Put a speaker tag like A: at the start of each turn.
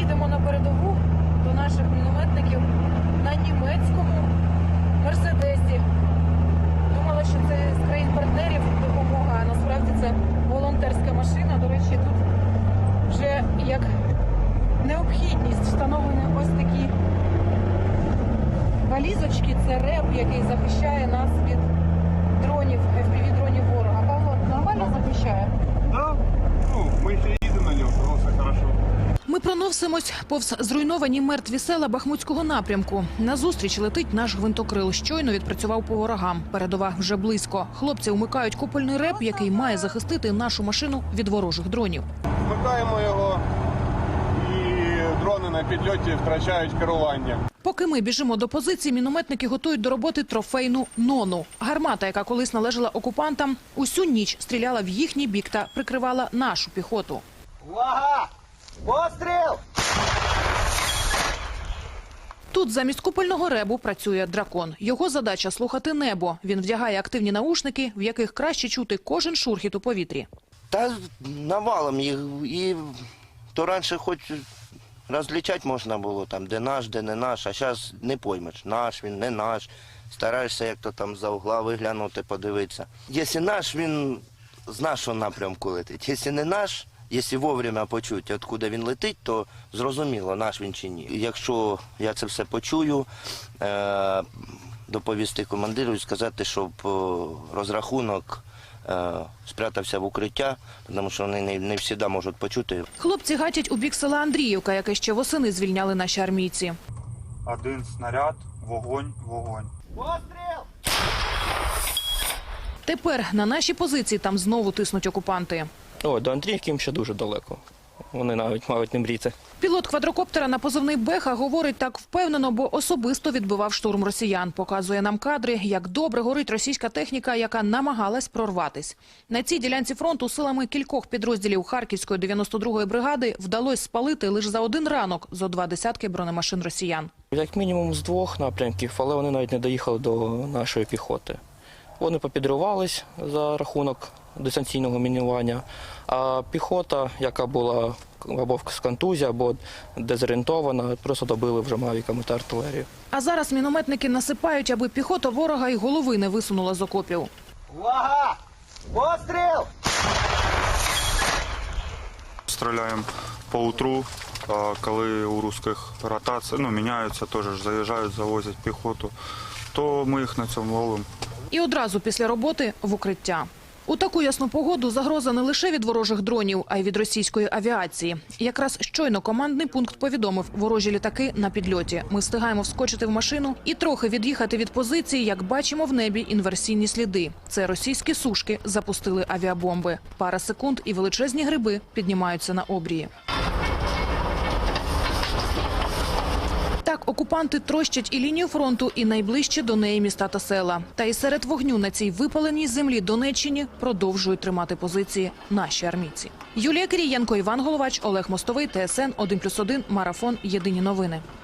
A: їдемо на передову до наших мінометників на німецькому Мерседесі. Думала, що це з країн-партнерів допомога, а насправді це волонтерська машина. До речі, тут вже як необхідність встановлені ось такі валізочки. Це РЕБ, який захищає нас від дронів, FPV-дронів ворога. Павло, нормально захищає?
B: Да, ми ще їдемо на ньому, тому все хорошо.
A: Ми проносимось повз зруйновані мертві села Бахмутського напрямку. Назустріч летить наш гвинтокрил. Щойно відпрацював по ворогам. Передова вже близько. Хлопці вмикають купольний РЕБ, який має захистити нашу машину від ворожих дронів.
B: Вмикаємо його, і дрони на підльоті втрачають керування.
A: Поки ми біжимо до позиції, мінометники готують до роботи трофейну «Нону». Гармата, яка колись належала окупантам, усю ніч стріляла в їхній бік та прикривала нашу піхоту.
C: Увага! Постріл!
A: Тут замість купольного ребу працює дракон. Його задача – слухати небо. Він вдягає активні наушники, в яких краще чути кожен шурхіт у повітрі.
C: Та навалом їх. І то раніше хоч розлічати можна було, там, де наш, де не наш, а зараз не поймеш, наш він, не наш. Стараєшся як-то там за угла виглянути, подивитися. Якщо наш, він з нашого напрямку летить. Якщо не наш, якщо вовремя почути, откуда він летить, то зрозуміло, наш він чи ні. Якщо я це все почую, доповісти командиру і сказати, щоб розрахунок спрятався в укриття, тому що вони не завжди можуть почути.
A: Хлопці гатять у бік села Андріївка, яке ще восени звільняли наші армійці.
D: Один снаряд, вогонь, вогонь.
C: Постріл!
A: Тепер на наші позиції там знову тиснуть окупанти.
E: О, до Андріївки їм ще дуже далеко. Вони навіть мають не мріяти.
A: Пілот квадрокоптера на позивний Беха говорить так впевнено, бо особисто відбивав штурм росіян. Показує нам кадри, як добре горить російська техніка, яка намагалась прорватись. На цій ділянці фронту силами кількох підрозділів Харківської 92-ї бригади вдалося спалити лише за один ранок зо 20 бронемашин росіян.
E: Як мінімум з 2 напрямків, але вони навіть не доїхали до нашої піхоти. Вони попідрувались за рахунок дистанційного мінування, а піхота, яка була або з контузії, або дезорієнтована, просто добили вже мавіками та артилерію.
A: А зараз мінометники насипають, аби піхота ворога й голови не висунула з окопів.
C: Увага! Постріл!
D: Стріляємо по утру, коли у русських ротація, міняються, теж заїжджають, завозять піхоту, то ми їх на цьому ловимо.
A: І одразу після роботи в укриття. У таку ясну погоду загроза не лише від ворожих дронів, а й від російської авіації. Якраз щойно командний пункт повідомив, ворожі літаки на підльоті. Ми встигаємо вскочити в машину і трохи від'їхати від позиції, як бачимо в небі інверсійні сліди. Це російські сушки запустили авіабомби. Пара секунд і величезні гриби піднімаються на обрії. Так, окупанти трощать і лінію фронту, і найближче до неї міста та села. Та і серед вогню на цій випаленій землі Донеччині продовжують тримати позиції наші армійці. Юлія Кирієнко, Іван Головач, Олег Мостовий, ТСН 1+1, Марафон, Єдині новини.